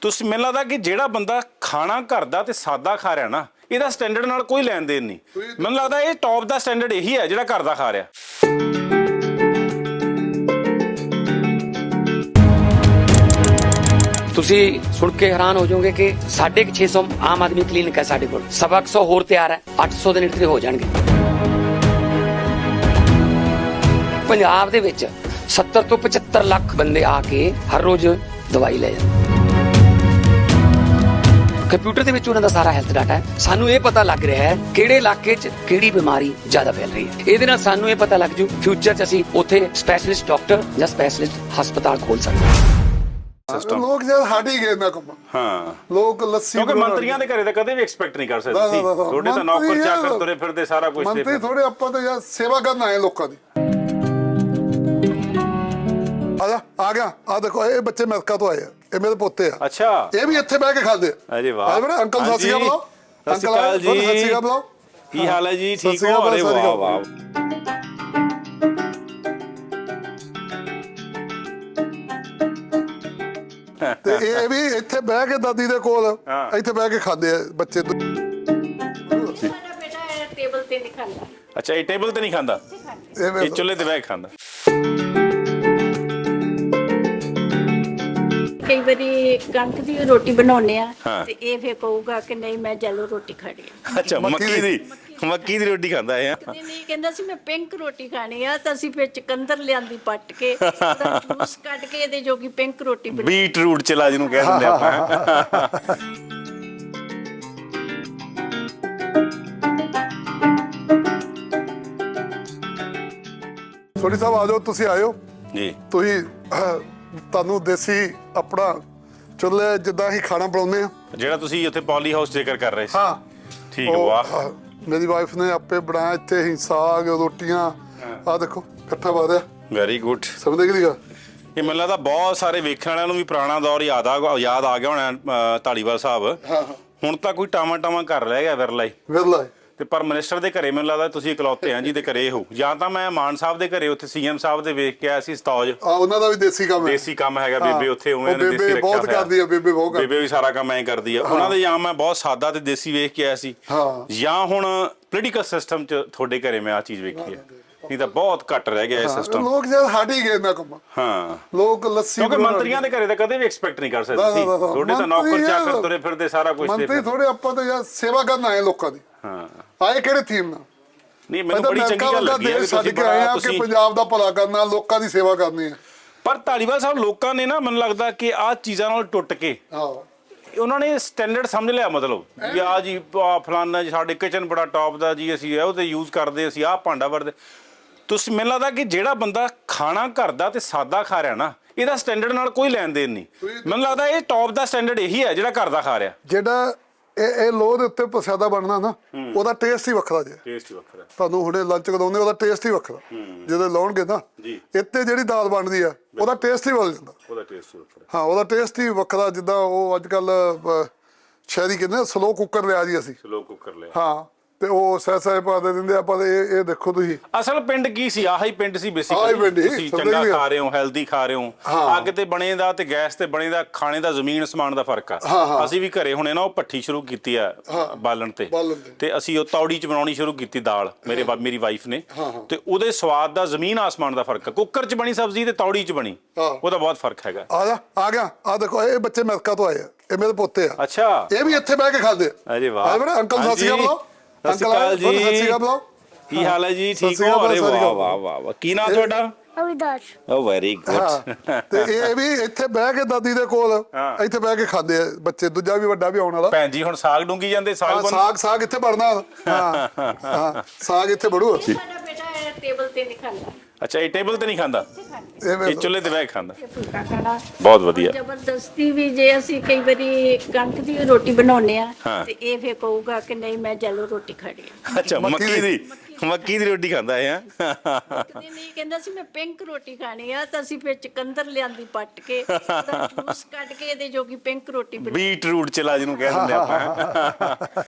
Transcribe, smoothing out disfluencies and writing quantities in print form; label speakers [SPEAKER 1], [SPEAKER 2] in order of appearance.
[SPEAKER 1] ਤੁਸੀਂ ਮੈਨੂੰ ਲੱਗਦਾ ਕਿ ਜਿਹੜਾ ਬੰਦਾ ਖਾਣਾ ਘਰ ਦਾ ਤੇ ਸਾਦਾ ਖਾ ਰਿਹਾ ਨਾ, ਇਹਦਾ ਸਟੈਂਡਰਡ ਨਾਲ ਕੋਈ ਲੈਣ ਦੇਣ ਨਹੀਂ। ਮੈਨੂੰ ਲੱਗਦਾ ਇਹ ਟੌਪ ਦਾ ਸਟੈਂਡਰਡ ਇਹੀ ਹੈ ਜਿਹੜਾ ਘਰ ਦਾ ਖਾ ਰਿਹਾ।
[SPEAKER 2] ਤੁਸੀਂ ਸੁਣ ਕੇ ਹੈਰਾਨ ਹੋ ਜਾਓਗੇ ਕਿ 650 ਆਮ ਆਦਮੀ ਕਲੀਨਿਕ ਹੈ ਸਾਡੇ ਕੋਲ, 125 ਹੋਰ ਤਿਆਰ ਹੈ, 800 ਦੇ ਨੇੜੇ ਹੋ ਜਾਣਗੇ। ਪੰਜਾਬ ਦੇ ਵਿੱਚ 70 ਤੋਂ 75 ਲੱਖ ਬੰਦੇ ਆ ਕੇ ਹਰ ਰੋਜ਼ ਦਵਾਈ ਲੈ ਜਾਂਦੇ। ਕੰਪਿਊਟਰ ਦੇ ਵਿੱਚ ਉਹਨਾਂ ਦਾ ਸਾਰਾ ਹੈਲਥ ਡਾਟਾ ਹੈ। ਸਾਨੂੰ ਇਹ ਪਤਾ ਲੱਗ ਰਿਹਾ ਹੈ ਕਿਹੜੇ ਇਲਾਕੇ 'ਚ ਕਿਹੜੀ ਬਿਮਾਰੀ ਜ਼ਿਆਦਾ ਫੈਲ ਰਹੀ ਹੈ। ਇਹਦੇ ਨਾਲ ਸਾਨੂੰ ਇਹ ਪਤਾ ਲੱਗ ਜੂ ਫਿਊਚਰ 'ਚ ਅਸੀਂ ਉੱਥੇ ਸਪੈਸ਼ਲਿਸਟ ਡਾਕਟਰ ਜਾਂ ਸਪੈਸ਼ਲਿਸਟ ਹਸਪਤਾਲ ਖੋਲ ਸਕਦੇ ਹਾਂ।
[SPEAKER 3] ਲੋਕ ਜਦ ਹਟ ਹੀ ਗਏ ਨਾ ਕੰਮ।
[SPEAKER 1] ਹਾਂ,
[SPEAKER 3] ਲੋਕ ਲੱਸੀ
[SPEAKER 1] ਕਿਉਂਕਿ ਮੰਤਰੀਆਂ ਦੇ ਘਰੇ ਤਾਂ ਕਦੇ ਵੀ ਐਕਸਪੈਕਟ ਨਹੀਂ ਕਰ ਸਕਦੇ ਸੀ। ਤੁਹਾਡੇ ਤਾਂ ਨੌਕਰ ਚਾਕਰ ਤੁਰੇ ਫਿਰਦੇ ਸਾਰਾ ਕੁਝ।
[SPEAKER 3] ਮੰਤਰੀ ਥੋੜੇ ਆਪਾਂ ਤਾਂ ਯਾਰ ਸੇਵਾ ਕਰਨ ਆਏ ਲੋਕਾਂ ਦੀ। ਆ ਗਿਆ ਆ ਦੇਖੋ, ਇਹ ਬੱਚੇ ਅਮਰੀਕਾ ਤੋਂ ਆਏ ਆ, ਇਹ ਮੇਰੇ ਪੋਤੇ ਆ।
[SPEAKER 1] ਅੱਛਾ,
[SPEAKER 3] ਇਹ ਵੀ ਇੱਥੇ ਬਹਿ ਕੇ ਖਾਂਦੇ ਆ।
[SPEAKER 1] ਅਰੇ ਵਾਹ।
[SPEAKER 3] ਬੜਾ ਅੰਕਲ ਸਤਿ ਸ਼੍ਰੀ ਅਕਾਲ ਬੁਲਾਓ।
[SPEAKER 1] ਸਤਿ ਸ਼੍ਰੀ ਅਕਾਲ ਜੀ।
[SPEAKER 3] ਸਤਿ ਸ਼੍ਰੀ ਅਕਾਲ ਬੁਲਾਓ।
[SPEAKER 1] ਕੀ ਹਾਲ ਹੈ ਜੀ? ਠੀਕ ਹੋ? ਅਰੇ ਵਾਹ ਵਾਹ।
[SPEAKER 3] ਤੇ ਇਹ ਵੀ ਇੱਥੇ ਬਹਿ ਕੇ ਦਾਦੀ ਦੇ ਕੋਲ ਇੱਥੇ ਬਹਿ ਕੇ ਖਾਂਦੇ ਆ ਬੱਚੇ।
[SPEAKER 4] ਮੇਰਾ ਬੇਟਾ ਟੇਬਲ ਤੇ ਨਹੀਂ ਖਾਂਦਾ।
[SPEAKER 1] ਅੱਛਾ, ਇਹ ਟੇਬਲ ਤੇ ਨਹੀਂ ਖਾਂਦਾ, ਇਹ ਚੁੱਲ੍ਹੇ ਤੇ ਬਹਿ ਕੇ ਖਾਂਦਾ।
[SPEAKER 4] ਕਈ ਵਾਰੀ ਕਣਕ ਦੀ ਰੋਟੀ ਬਣਾਉਂਦੇ ਆ
[SPEAKER 1] ਹਾਂ।
[SPEAKER 4] ਤੇ ਇਹ ਫੇਰ ਕਹੂਗਾ ਕਿ ਨਹੀਂ ਮੈਂ ਜੈਲੋ ਰੋਟੀ ਖਾਣੀ ਆ।
[SPEAKER 1] ਅੱਛਾ, ਮੱਕੀ ਦੀ ਰੋਟੀ ਖਾਂਦਾ ਹੈ।
[SPEAKER 4] ਕਦੇ ਨਹੀਂ ਕਹਿੰਦਾ ਸੀ ਮੈਂ ਪਿੰਕ ਰੋਟੀ ਖਾਣੀ ਆ, ਤਾਂ ਅਸੀਂ ਫਿਰ ਚਕੰਦਰ ਲਿਆਂਦੀ ਪੱਟ ਕੇ ਉਹਦਾ ਜੂਸ ਕੱਢ ਕੇ ਇਹਦੇ ਜੋਗੀ ਪਿੰਕ ਰੋਟੀ ਬਣੀ।
[SPEAKER 1] ਬੀਟ ਰੂਟ ਚਲਾ ਜਿਹਨੂੰ ਕਹਿ ਦਿੰਦੇ ਆਪਾਂ।
[SPEAKER 3] ਸੋਢੀ ਸਾਹਿਬ ਆ ਜਾਓ, ਤੁਸੀਂ ਆਇਓ
[SPEAKER 1] ਜੀ।
[SPEAKER 3] ਤੁਸੀਂ ਤੁਹਾਨੂੰ ਦੇਸੀ ਆਪਣਾ ਚੁੱਲ੍ਹੇ ਜਿੱਦਾਂ ਹੀ ਖਾਣਾ ਬਣਾਉਂਦੇ ਆ।
[SPEAKER 1] ਜਿਹੜਾ ਤੁਸੀਂ ਉੱਥੇ ਪੌਲੀ ਹਾਊਸ ਜ਼ਿਕਰ ਕਰ ਰਹੇ ਸੀ।
[SPEAKER 3] ਹਾਂ
[SPEAKER 1] ਠੀਕ, ਵਾਹ।
[SPEAKER 3] ਮੇਰੀ ਵਾਈਫ ਨੇ ਆਪੇ ਬਣਾਇਆ ਇੱਥੇ ਹੀ ਸਾਗ ਰੋਟੀਆਂ। ਆ ਦੇਖੋ ਇਕੱਠਾ ਪਾ ਰਿਹਾ।
[SPEAKER 1] Very good.
[SPEAKER 3] ਸਮਝਦੇ ਕਿ ਨਹੀਂ?
[SPEAKER 1] ਇਹ ਮੈਨੂੰ ਲੱਗਦਾ ਬਹੁਤ ਸਾਰੇ ਵੇਖਣ ਵਾਲਿਆਂ ਨੂੰ ਵੀ ਪੁਰਾਣਾ ਦੌਰ ਯਾਦ ਆ ਗਿਆ ਹੋਣਾ। ਧਾਲੀਵਾਲ ਸਾਹਿਬ ਹੁਣ ਤਾਂ ਕੋਈ ਟਾਵਾਂ ਘਰ ਰਹਿ ਗਿਆ ਵਿਰਲਾ ਹੀ।
[SPEAKER 3] ਵਿਰਲਾ
[SPEAKER 1] ਤੇ ਪਰ ਮਿਨਿਸਟਰ ਦੇ ਘਰੇ ਮੈਨੂੰ ਲੱਗਦਾ ਤੁਸੀਂ ਇਕਲੌਤੇ ਆ ਜਿਹਦੇ ਘਰੇ ਹੋ। ਜਾਂ ਤਾਂ ਮੈਂ ਮਾਨ ਸਾਹਿਬ ਦੇ ਘਰੇ ਉੱਥੇ ਸੀਐਮ ਸਾਹਿਬ ਦੇ ਵੇਖ ਕੇ ਆਇਆ ਸੀ ਸਤੌਜ।
[SPEAKER 3] ਉਹਨਾਂ ਦਾ ਵੀ ਦੇਸੀ ਕੰਮ ਹੈ।
[SPEAKER 1] ਦੇਸੀ ਕੰਮ ਹੈਗਾ। ਬੇਬੇ ਉੱਥੇ ਉਵੇਂ ਨੇ ਦੇਸੀ ਰੱਖਿਆ
[SPEAKER 3] ਬਹੁਤ ਕਰਦੀ ਆ। ਬੇਬੇ ਬਹੁਤ
[SPEAKER 1] ਬੇਬੇ ਵੀ ਸਾਰਾ ਕੰਮ ਐਂ ਕਰਦੀ ਆ। ਉਹਨਾਂ ਦੇ ਜਾਂ ਮੈਂ ਬਹੁਤ ਸਾਦਾ ਤੇ ਦੇਸੀ ਵੇਖ ਕੇ ਆਇਆ ਸੀ, ਜਾਂ ਹੁਣ ਪੋਲੀਟੀਕਲ ਸਿਸਟਮ 'ਚ ਤੁਹਾਡੇ ਘਰੇ ਮੈਂ ਆ ਚੀਜ਼ ਵੇਖੀ ਹੈ। ਨਹੀਂ ਤਾਂ ਬਹੁਤ ਘੱਟ ਰਹਿ ਗਿਆ ਇਹ ਸਿਸਟਮ।
[SPEAKER 3] ਲੋਕ ਜਦ ਹਟ ਹੀ ਗਏ ਨਾ ਕੰਮ।
[SPEAKER 1] ਹਾਂ,
[SPEAKER 3] ਲੋਕ ਲੱਸੀ
[SPEAKER 1] ਕਿਉਂਕਿ ਮੰਤਰੀਆਂ ਦੇ ਘਰੇ ਤਾਂ ਕਦੇ ਵੀ ਐਕਸਪੈਕਟ ਨਹੀਂ ਕਰ ਸਕਦੇ ਸੀ। ਤੁਹਾਡੇ ਤਾਂ ਨੌਕਰ ਚਾਕਰ ਤੁਰੇ ਫਿਰਦੇ ਸਾਰਾ ਕੁਝ।
[SPEAKER 3] ਮੰਤਰੀ ਥੋੜੇ ਆਪਾਂ ਤਾਂ ਯਾਰ ਸੇਵਾ ਕਰਨ ਆਏ ਲੋਕਾਂ ਦੀ।
[SPEAKER 1] ਹਾਂ,
[SPEAKER 3] ਆਏ ਕਿਹੜੇ ਥੀਮ ਨਾਲ?
[SPEAKER 1] ਨਹੀਂ, ਮੈਨੂੰ ਬੜੀ ਚੰਗੀ ਗੱਲ ਲੱਗੀ ਹੈ
[SPEAKER 3] ਛੱਡ ਕੇ ਆਏ ਆ ਕਿ ਪੰਜਾਬ ਦਾ ਭਲਾ ਕਰਨਾ, ਲੋਕਾਂ ਦੀ ਸੇਵਾ ਕਰਨੀ ਹੈ।
[SPEAKER 1] ਪਰ ਧਾਲੀਵਾਲ ਸਾਹਿਬ ਲੋਕਾਂ ਨੇ ਨਾ, ਮੈਨੂੰ ਲੱਗਦਾ ਕਿ ਆਹ ਚੀਜ਼ਾਂ ਨਾਲ ਟੁੱਟ ਕੇ ਉਹਨਾਂ ਨੇ ਸਟੈਂਡਰਡ ਸਮਝ ਲਿਆ। ਮਤਲਬ ਵੀ ਆ ਜੀ ਫਲਾਨਾ ਜੀ ਸਾਡੇ ਕਿਚਨ ਬੜਾ ਟੌਪ ਦਾ ਜੀ, ਅਸੀਂ ਉਹ ਤੇ ਯੂਜ਼ ਕਰਦੇ, ਅਸੀਂ ਆਹ ਭਾਂਡਾ ਵਰਦੇ। ਤੁਸੀਂ ਮੈਨੂੰ ਲੱਗਦਾ ਕਿ ਜਿਹੜਾ ਬੰਦਾ ਖਾਣਾ ਘਰ ਦਾ ਤੇ ਸਾਦਾ ਖਾ ਰਿਹਾ ਨਾ, ਇਹਦਾ ਸਟੈਂਡਰਡ ਨਾਲ ਕੋਈ ਲੈਣ ਦੇਣ ਨਹੀਂ। ਮੈਨੂੰ ਲੱਗਦਾ ਇਹ ਟੌਪ ਦਾ ਸਟੈਂਡਰਡ ਇਹੀ ਹੈ ਜਿਹੜਾ ਘਰ ਦਾ ਖਾ ਰਿਹਾ।
[SPEAKER 3] ਜਿਹੜਾ ਇਹ ਲੋਹ ਦੇ ਉੱਤੇ ਪ੍ਰਸ਼ਾਦਾ ਬਣਨਾ ਨਾ, ਉਹਦਾ ਟੇਸਟ ਹੀ ਵੱਖਰਾ ਜੇ।
[SPEAKER 1] ਟੇਸਟ ਹੀ ਵੱਖਰਾ।
[SPEAKER 3] ਤੁਹਾਨੂੰ ਹੁਣੇ ਲੰਚ ਕਰਾਉਂਦੇ, ਉਹਦਾ ਟੇਸਟ ਹੀ ਵੱਖਰਾ। ਜਦੋਂ ਲਾਉਣਗੇ ਨਾ ਇੱਥੇ ਜਿਹੜੀ ਦਾਲ ਬਣਦੀ ਆ, ਉਹਦਾ ਟੇਸਟ ਹੀ ਬਦਲ ਜਾਂਦਾ।
[SPEAKER 1] ਉਹਦਾ ਟੇਸਟ ਹੀ ਵੱਖਰਾ।
[SPEAKER 3] ਹਾਂ, ਉਹਦਾ ਟੇਸਟ ਹੀ ਵੱਖਰਾ। ਜਿੱਦਾਂ ਉਹ ਅੱਜ ਕੱਲ ਸ਼ਹਿਰੀ ਕਹਿੰਦੇ ਸਲੋ ਕੁੱਕਰ ਲਿਆ ਜੀ ਅਸੀਂ।
[SPEAKER 1] ਸਲੋ ਕੁੱਕਰ ਲਿਆ।
[SPEAKER 3] ਹਾਂ, ਤੇ ਉਹ ਸਹਿ ਪਾ ਦੇ ਦਿੰਦੇ ਆ। ਪਰ ਇਹ ਦੇਖੋ ਤੁਸੀਂ,
[SPEAKER 1] ਅਸਲ ਪਿੰਡ ਕੀ ਸੀ? ਆਹੀ ਪਿੰਡ ਸੀ ਬੇਸਿਕਲੀ। ਤੁਸੀਂ ਚੰਗਾ ਖਾ ਰਹੇ ਹੋ, ਹੈਲਦੀ ਖਾ ਰਹੇ ਹੋ। ਅੱਗ ਤੇ ਬਣੇ ਦਾ ਤੇ ਗੈਸ ਤੇ ਬਣੇ ਦਾ ਖਾਣੇ ਦਾ ਜ਼ਮੀਨ ਅਸਮਾਨ ਦਾ ਫਰਕ ਆ। ਅਸੀਂ ਵੀ ਘਰੇ ਹੁਣੇ ਨਾ ਉਹ ਭੱਠੀ ਸ਼ੁਰੂ ਕੀਤੀ ਆ ਬਾਲਣ ਤੇ ਅਸੀਂ ਉਹ ਤੌੜੀ ਚ ਬਣਾਉਣੀ ਸ਼ੁਰੂ ਕੀਤੀ ਦਾਲ ਮੇਰੀ ਵਾਈਫ ਨੇ। ਤੇ ਉਹਦੇ ਸਵਾਦ ਦਾ ਜ਼ਮੀਨ ਆਸਮਾਨ ਦਾ ਫਰਕ ਆ। ਕੁੱਕਰ ਚ ਬਣੀ ਸਬਜ਼ੀ ਤੇ ਤੌੜੀ ਚ ਬਣੀ, ਉਹਦਾ ਬਹੁਤ ਫਰਕ ਹੈਗਾ।
[SPEAKER 3] ਆ ਗਿਆ ਆ ਦੇਖੋ, ਇਹ ਬੱਚੇ ਅਮਰੀਕਾ ਤੋਂ ਆਏ ਆ, ਇਹ ਮੇਰੇ ਪੋਤੇ ਆ।
[SPEAKER 1] ਅੱਛਾ,
[SPEAKER 3] ਇਹ ਵੀ ਇੱਥੇ ਬਹਿ ਕੇ ਖਾਂਦੇ ਆ।
[SPEAKER 1] ਅਰੇ ਵਾਹ।
[SPEAKER 3] ਬੜਾ ਅੰਕਲ ਸਤਿ ਸ਼੍ਰੀ ਅਕਾਲ ਬੁਲਾਓ।
[SPEAKER 1] ਸਤਿ ਸ਼੍ਰੀ ਅਕਾਲ ਜੀ।
[SPEAKER 3] ਸਤਿ ਸ਼੍ਰੀ ਅਕਾਲ ਬੁਲਾਓ।
[SPEAKER 1] ਕੀ ਹਾਲ ਹੈ ਜੀ? ਠੀਕ ਹੋ? ਅਰੇ ਵਾਹ ਵਾਹ ਵਾਹ। ਕੀ ਨਾਮ ਤੁਹਾਡਾ?
[SPEAKER 5] ਅਵਿਦਾਸ਼।
[SPEAKER 1] ਓ ਵੈਰੀ ਗੁੱਡ।
[SPEAKER 3] ਤੇ ਇਹ ਵੀ ਇੱਥੇ ਬਹਿ ਕੇ ਦਾਦੀ ਦੇ ਕੋਲ ਇੱਥੇ ਬਹਿ ਕੇ ਖਾਂਦੇ ਆ ਬੱਚੇ। ਦੂਜਾ ਵੀ ਵੱਡਾ ਵੀ ਆਉਣ ਵਾਲਾ।
[SPEAKER 1] ਭੈਣ ਜੀ ਹੁਣ ਸਾਗ ਡੂੰਗੀ ਜਾਂਦੇ।
[SPEAKER 3] ਸਾਗ ਇੱਥੇ ਬਣਨਾ। ਹਾਂ, ਸਾਗ ਇੱਥੇ ਬੜੂ।
[SPEAKER 4] ਮੇਰਾ ਬੇਟਾ ਟੇਬਲ ਤੇ ਨਹੀਂ ਖਾਂਦਾ।
[SPEAKER 1] ਅੱਛਾ, ਇਹ ਟੇਬਲ ਤੇ ਨਹੀਂ ਖਾਂਦਾ, ਇਹ ਚੁੱਲ੍ਹੇ ਤੇ ਬਹਿ ਕੇ ਖਾਂਦਾ।
[SPEAKER 4] ਫੁਲਕਾ ਖਾਣਾ
[SPEAKER 1] ਬਹੁਤ ਵਧੀਆ।
[SPEAKER 4] ਜ਼ਬਰਦਸਤੀ ਵੀ ਜੇ ਅਸੀਂ ਕਈ ਵਾਰੀ ਕਣਕ ਦੀ ਰੋਟੀ ਬਣਾਉਂਦੇ ਆ ਤੇ ਇਹ ਫੇਰ ਕਹੂਗਾ ਕਿ ਨਹੀਂ ਮੈਂ ਜੈਲੋ ਰੋਟੀ ਖਾਣੀ ਆ।
[SPEAKER 1] ਅੱਛਾ, ਮੱਕੀ ਦੀ ਰੋਟੀ ਖਾਂਦਾ ਹੈ।
[SPEAKER 4] ਕਦੇ ਨਹੀਂ ਕਹਿੰਦਾ ਸੀ ਮੈਂ ਪਿੰਕ ਰੋਟੀ ਖਾਣੀ ਆ, ਤਾਂ ਅਸੀਂ ਫਿਰ ਚਕੰਦਰ ਲਿਆਂਦੀ ਪੱਟ ਕੇ ਉਹਦਾ ਜੂਸ ਕੱਢ ਕੇ ਇਹਦੇ ਜੋਗੀ ਪਿੰਕ ਰੋਟੀ ਬਣੀ।
[SPEAKER 1] ਬੀਟ ਰੂਟ ਚਲਾ ਜਿਹਨੂੰ ਕਹਿ ਦਿੰਦੇ ਆਪਾਂ।